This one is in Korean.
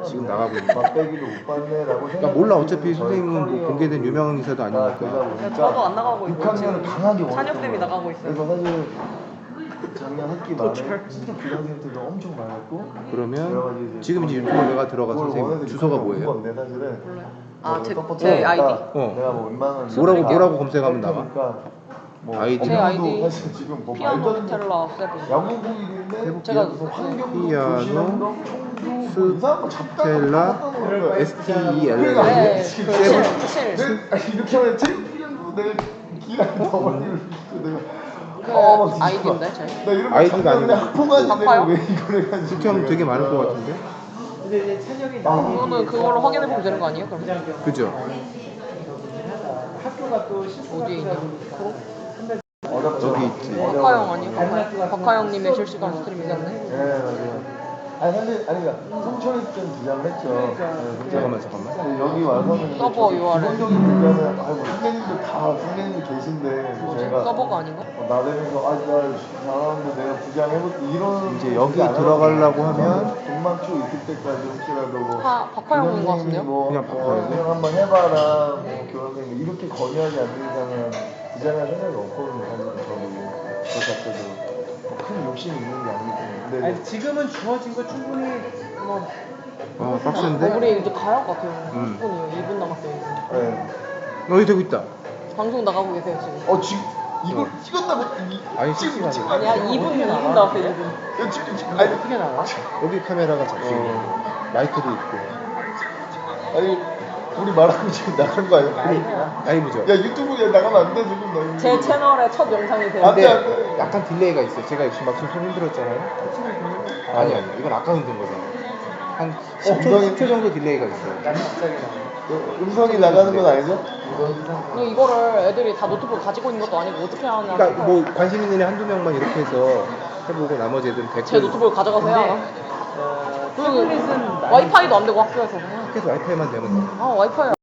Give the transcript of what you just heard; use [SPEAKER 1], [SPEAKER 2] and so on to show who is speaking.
[SPEAKER 1] 지금 나가고 있는 거.
[SPEAKER 2] 맛배기도 못 받네라고
[SPEAKER 1] 그러니까 몰라. 어차피 선생님은 뭐 공개된 유명한 인사도 아니니까.
[SPEAKER 3] 저도 안 나가고 있고
[SPEAKER 2] 6학년은 강하게
[SPEAKER 3] 찬혁쌤이
[SPEAKER 2] 원했던
[SPEAKER 3] 나가고
[SPEAKER 2] 거야.
[SPEAKER 3] 있어요.
[SPEAKER 2] 그래서 사실 작년 학기 말에 진짜 교장선생님들도 엄청 많았고
[SPEAKER 1] 그러면 지금 이제 유튜브 내가 들어가서 선생님 주소가 뭐예요?
[SPEAKER 2] 건데 사실은
[SPEAKER 3] 아,
[SPEAKER 2] 뭐
[SPEAKER 3] 제 아이디?
[SPEAKER 2] 내가 뭐 웬만한
[SPEAKER 1] 뭐라고 검색하면 나와?
[SPEAKER 2] 뭐
[SPEAKER 1] 아이디?
[SPEAKER 3] 제 아이디
[SPEAKER 2] 사실 지금 뭐
[SPEAKER 3] 피아노
[SPEAKER 2] 말도 안 되는
[SPEAKER 3] 스텔라 세븐.
[SPEAKER 2] 야구부인데
[SPEAKER 3] 제가
[SPEAKER 2] 환경도
[SPEAKER 1] 피아노
[SPEAKER 2] 도시환경 청주 이상한 거
[SPEAKER 1] 스텔라 STELL
[SPEAKER 3] 네,
[SPEAKER 1] 세븐.
[SPEAKER 2] 이렇게 하면 챔피언도 내가 기간이 더 많이 내가
[SPEAKER 3] 그 아이디인데 제.
[SPEAKER 2] 나 이런 거
[SPEAKER 1] 아이디가
[SPEAKER 2] 작년에
[SPEAKER 1] 아니고
[SPEAKER 2] 학부모한테 내가
[SPEAKER 3] 바빠요?
[SPEAKER 2] 왜 이걸 해가지고
[SPEAKER 1] 국형 되게 많을 것 같은데?
[SPEAKER 3] 그거는 그걸로 확인해 보면 되는 거 아니에요? 그럼
[SPEAKER 1] 그죠?
[SPEAKER 3] 어디에 있냐?
[SPEAKER 1] 여기 있지.
[SPEAKER 3] 박하영 아니에요? 박하영님의 실시간 스트리밍이었네.
[SPEAKER 2] 네 맞아요. 아니 사실 그러니까 성천이 좀 주장을 했죠.
[SPEAKER 1] 잠깐만.
[SPEAKER 2] 여기 와서는
[SPEAKER 3] 서버 URL.
[SPEAKER 2] 기본적인 문제는 아이고 선생님들 다 선생님들 계신데 저희가
[SPEAKER 3] 서버가 아닌가?
[SPEAKER 2] 나대면서 나 잘하는데 내가 부장해볼게 이런
[SPEAKER 1] 이제 여기 들어가려고 하면
[SPEAKER 2] 돈만 쭉 있을 때까지 혹시라도 뭐
[SPEAKER 3] 박하영인 것 같은데요?
[SPEAKER 1] 그냥 박하영.
[SPEAKER 2] 그냥 한번 해봐라 뭐 교환생님 이렇게 건의하지 않는 이상은 부장할 생각이 없거든요. 사실은 저 자체도 큰 욕심이 있는 게 아니기 때문에. 근데
[SPEAKER 4] 아니, 지금은 주어진 거 충분히 뭐
[SPEAKER 1] 빡센데?
[SPEAKER 3] 우리 이제 가야 할 것 같아요.
[SPEAKER 1] 음.
[SPEAKER 3] 10분이에요. 2분 남았어요. 이제.
[SPEAKER 2] 네.
[SPEAKER 1] 여기 되고 있다.
[SPEAKER 3] 방송 나가고 계세요 지금.
[SPEAKER 2] 지금 이걸 찍었다고?
[SPEAKER 1] 아니 실시간으로.
[SPEAKER 3] 아니야 2분 남았어요. 2분.
[SPEAKER 2] 지금 아니
[SPEAKER 4] 어떻게 나와?
[SPEAKER 1] 여기 카메라가 잡히고 마이크도 있고.
[SPEAKER 2] 아니 우리 말하고 지금 나간 거 아니야?
[SPEAKER 1] 라이브죠.
[SPEAKER 2] 야 유튜브에 나가면 안 돼 지금 나 이거.
[SPEAKER 3] 제 채널의 첫 영상이 돼요.
[SPEAKER 2] 안 돼, 안
[SPEAKER 1] 근데
[SPEAKER 2] 돼.
[SPEAKER 1] 약간 딜레이가 있어요. 제가 역시 막 손 흔들었잖아요. 아니 이건 아까 흔든 거잖아. 한 10초 정도 딜레이가 있어요.
[SPEAKER 2] 음성이 나가는 건 아니죠?
[SPEAKER 3] 이거를 애들이 다 노트북 가지고 있는 것도 아니고 어떻게 하냐.
[SPEAKER 1] 그러니까 뭐 관심 있는 애 한두 명만 이렇게 해서 해보고 나머지 애들은 댓글.
[SPEAKER 3] 제 노트북을 가져가세요. 그리고 와이파이도 안 되고 학교에서 그냥.
[SPEAKER 1] 학교에서 와이파이만 되면 돼.
[SPEAKER 3] 와이파이